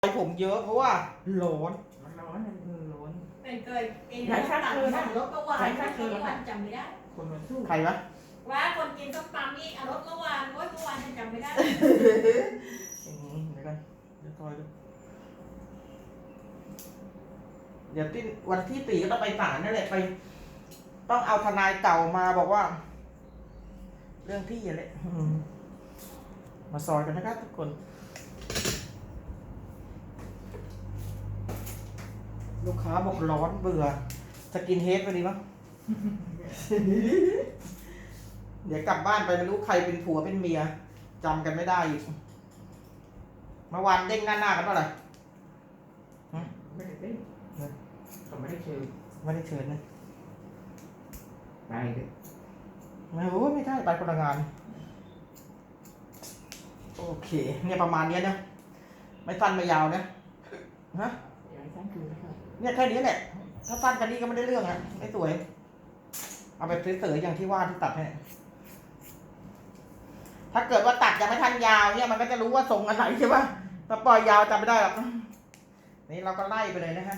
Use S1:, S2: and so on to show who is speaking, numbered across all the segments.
S1: ผมเยอะเพราะว่าร้อน
S2: มันร้อนนะร้อน
S3: เป็นเคยกิน
S2: หลายชาติเลยนะ
S3: รถเมื่อวาน
S2: หลายชาติเลยนะ
S3: จำไม่ได้
S2: คนมันสู้
S1: ใครวะ
S3: ว่าคนกินส้มตำนี่เอารถเมื่อวานโอ้ยเมื่อวานยังจำไม่ได้
S1: เดี๋ยวกันเดี๋ยวคอยดูเดี๋ยวที่วันที่4ก็ต้องไปศาลนั่นแหละไป ต้องเอาทนายเก่ามาบอกว่า เรื่องที่อะไรมาซอยกันนะครับทุกคน ลูกค้าบอกร้อนเบื่อจะกินเฮดไปดีมั้ง เดี๋ยวกลับบ้านไปไม่รู้ใครเป็นผัวเป็นเมียจำกันไม่ได้อีกเมื่อวานเด้งหน้ากันเท่าไหร่
S2: ไม่ได้เต้นเขาไม่ได้เชิญ
S1: ไม่ได้เชิญนะ
S2: ไปเลย
S1: ไม่รู้ไม่ใช่ไปคนละงานโอเคเนี่ยประมาณเนี้ยนะไม่สั้นไม่ยาวนะฮะ
S2: อยากให้ท่านดูนะครับ
S1: เนี่ยแค่นี้แหละถ้าสั้นกันนี้ก็ไม่ได้เรื่องอ่ะไม่สวยเอาไปเสยๆอย่างที่ว่าที่ตัดให้ถ้าเกิดว่าตัดยังไม่ทันยาวเนี่ยมันก็จะรู้ว่าทรงอันไหนใช่ป่ะถ้าปล่อยยาวจำไม่ได้หรอกนี่เราก็ไล่ไปเลยนะฮะ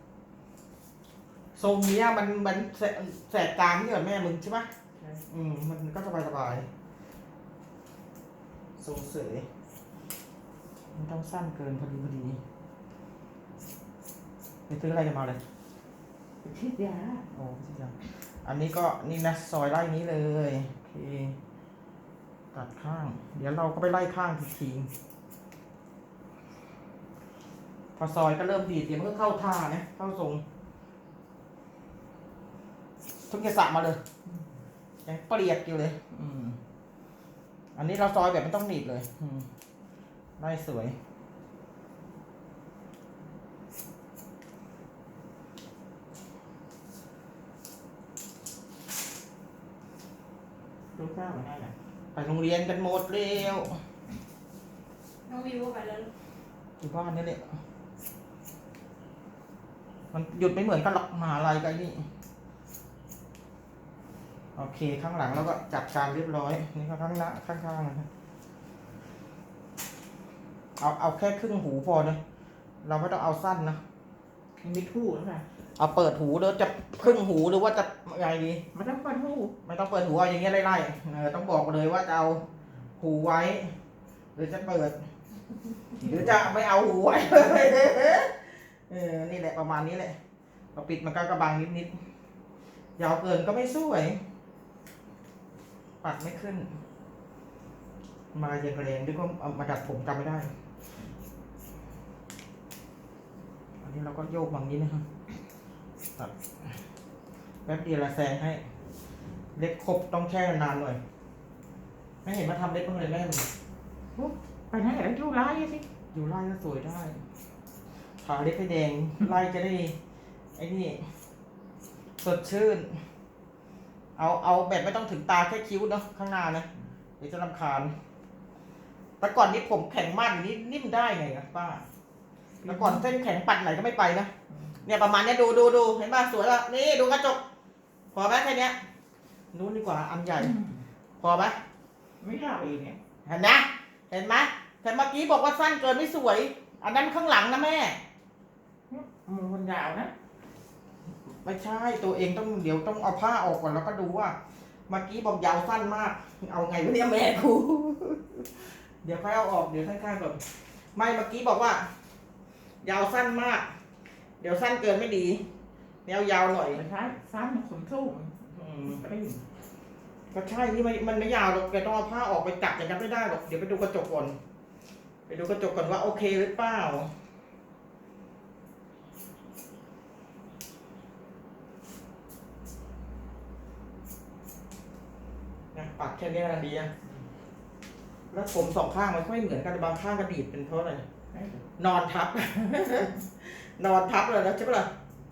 S1: ทรงเนี้ยมันแสกกลางที่เหมือนแม่มึงใช่ป่ะมันก็สบายๆทรงเสยมันต้องสั้นเกินพอดีไปซื้ออะไรกันมาเลย
S2: ฉีดยา
S1: โอ้ชิจังอันนี้ก็นี่นะซอยไล่นี้เลยโอเคตัดข้าง เดี๋ยวเราก็ไปไล่ข้างทีพอซอยก็เริ่มดีดเดี๋ยวมันก็เข้าท่านะเข้าทรงทุกอย่างสระมาเลยยังเปรียกอยู่เลยอันนี้เราซอยแบบไม่ต้องหนีบเลยไล่สวย
S2: ลูกสาวมันได้แหละ
S1: ไปโรงเรียนกันหมดเร็ว
S3: น้องวิวไปแล้ว
S1: อยู่บ้านนี่แหละมันหยุดไม่เหมือนกันหรอกมหาลัยกันนี่โอเคข้างหลังแล้วก็จัดการเรียบร้อยนี่ก็ข้างหน้าข้างๆนะครับเอาแค่ครึ่งหูพอนะเราไม่ต้องเอาสั้นนะ
S2: มันมีทู่นะค่ะ
S1: เอาเปิดหูหรือจะครึ่งหูหรือว่าจะไงดี
S2: มันต้องเปิดทู่
S1: ไม่ต้องเปิดหูเอาอย่างเงี้ยไล่ๆต้องบอกเลยว่าจะเอาหูไว้ หรือจะเปิด หรือจะไม่เอาหูไว้ นี่แหละประมาณนี้แหละพอปิดมันก็กระบังนิดๆยาวเกินก็ไม่สวยปัดไม่ขึ้น มาอย่างแรงด้วยก็เอามาดัดผมจำไม่ได้ อันนี้เราก็โยกบางนี้นะครับตัดแป๊บเดียวละแซงให้ เล็บครบต้องแช่นานหน่อยไม่เห็นมาทำเล็บบ้างเลยแม่มึง
S2: ไปไหนแล้วลูกร้ายสิ
S1: อยู่ไล่ก็สวยได้ทาเล็บให้แดงไล่จะได้ไอ้นี่สดชื่นเอาแบบไม่ต้องถึงตาแค่คิ้วเนาะข้างหน้านะเดี๋ยวจะรำคาญแต่ก่อนนี้ผมแข็งมากอย่างนี้นิ่มได้ไงนะป้าแต่ก่อนเส้นแข็งปัดไหนก็ไม่ไปนะเนี่ยประมาณนี้ดูเห็นป่ะสวยป่ะนี่ดูกระจกพอไหมแค่เนี้ยนู้นดีกว่าอันใหญ่พอไหม
S2: ไม่ยาวเองเนี่ย
S1: เห็นนะเห็นไหมแต่เมื่อกี้บอกว่าสั้นเกินไม่สวย อันนั้นข้างหลังนะแม่
S2: มันยาวนะ
S1: ไม่ใช่ตัวเองต้องเดี๋ยวต้องเอาผ้าออกก่อนแล้วก็ดูว่าเมื่อกี้บอกยาวสั้นมาก เอาไงวะเนี่ยแม่กูเดี๋ยวค่อยเอาออกเดี๋ยวข้างๆก่อนไม่เมื่อกี้บอกว่า ยาวสั้นมาก เดี๋ยวสั้นเกินไม่ดีแนวยาวหน่อย
S2: ไม่ใช่ซ้ำมันขนสู้ไปได้
S1: ก็ใช่ที่มันไม่ยาวหรอกแกต้องเอาผ้าออกไปจับอย่างนั้นไม่ได้หรอกเดี๋ยวไปดูกระจกก่อนไปดูกระจกก่อนว่าโอเคหรือเปล่าปัดแค่นี้นะดีอะแล้วผมสองข้างมันไม่เหมือนกันบางข้างกระดีดเป็นเพราะอะไรนอนทับ นอนทับเลยนะใช่ปะล่ะ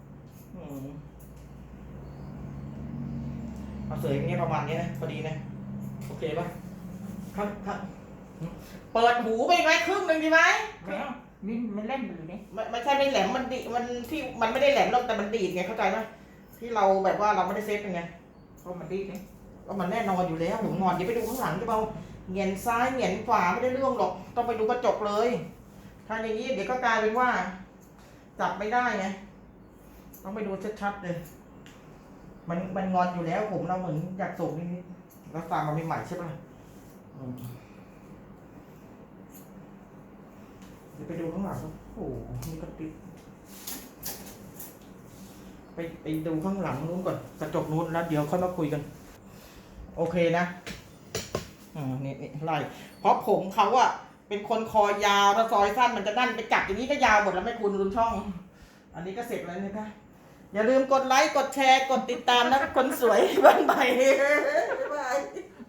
S1: เอาเสยอย่างเงี้ยประมาณนี้นะพอดีนะโอเคปะข้างเปิดหูไปไหมครึ่งหนึ่งดีไหม
S2: ไม่เอานี่มันเล่นอยู่นี่
S1: ไม่ใช่ไม่แหลมมันดีมันที่มันไม่ได้แหลมหรอกแต่มันดีดไงเข้าใจไหมที่เราแบบว่าเราไม่ได้เซฟเป็นไง
S2: เพราะมันดีนี่
S1: ก็มันแน่นอนอยู่แล้วหนูนอนอย่าไปดูข้างหลังจะเบาเหงียนซ้ายเหงียนขวาไม่ได้เรื่องหรอกต้องไปดูกระจกเลยถ้าอย่างนี้เดี๋ยวก็กลายเป็นว่า จับไม่ได้ไงต้องไปดูชัดๆเลย มันงอนอยู่แล้วผมเราเหมือนอยากส่งนิดๆแล้วฟังมาใหม่ๆใช่ป่ะเดี๋ยวไปดูข้างหลังครับโอ้โหนี่ก็ติดไปดูข้างหลังนู้นก่อนกระจกนู้นแล้วเดี๋ยวค่อยมาคุยกัน โอเคนะนี่ไล่เพราะผมเขาอะเป็นคนคอยาวถ้าซอยสั้นมันจะนั่นไปจับอย่างนี้ก็ยาวหมดแล้วไม่คุณลืมช่อง อันนี้ก็เสร็จแล้วนะคะอย่าลืมกดไลค์กดแชร์กดติดตามนะคนสวยบ้านใหม่บ๊ายบาย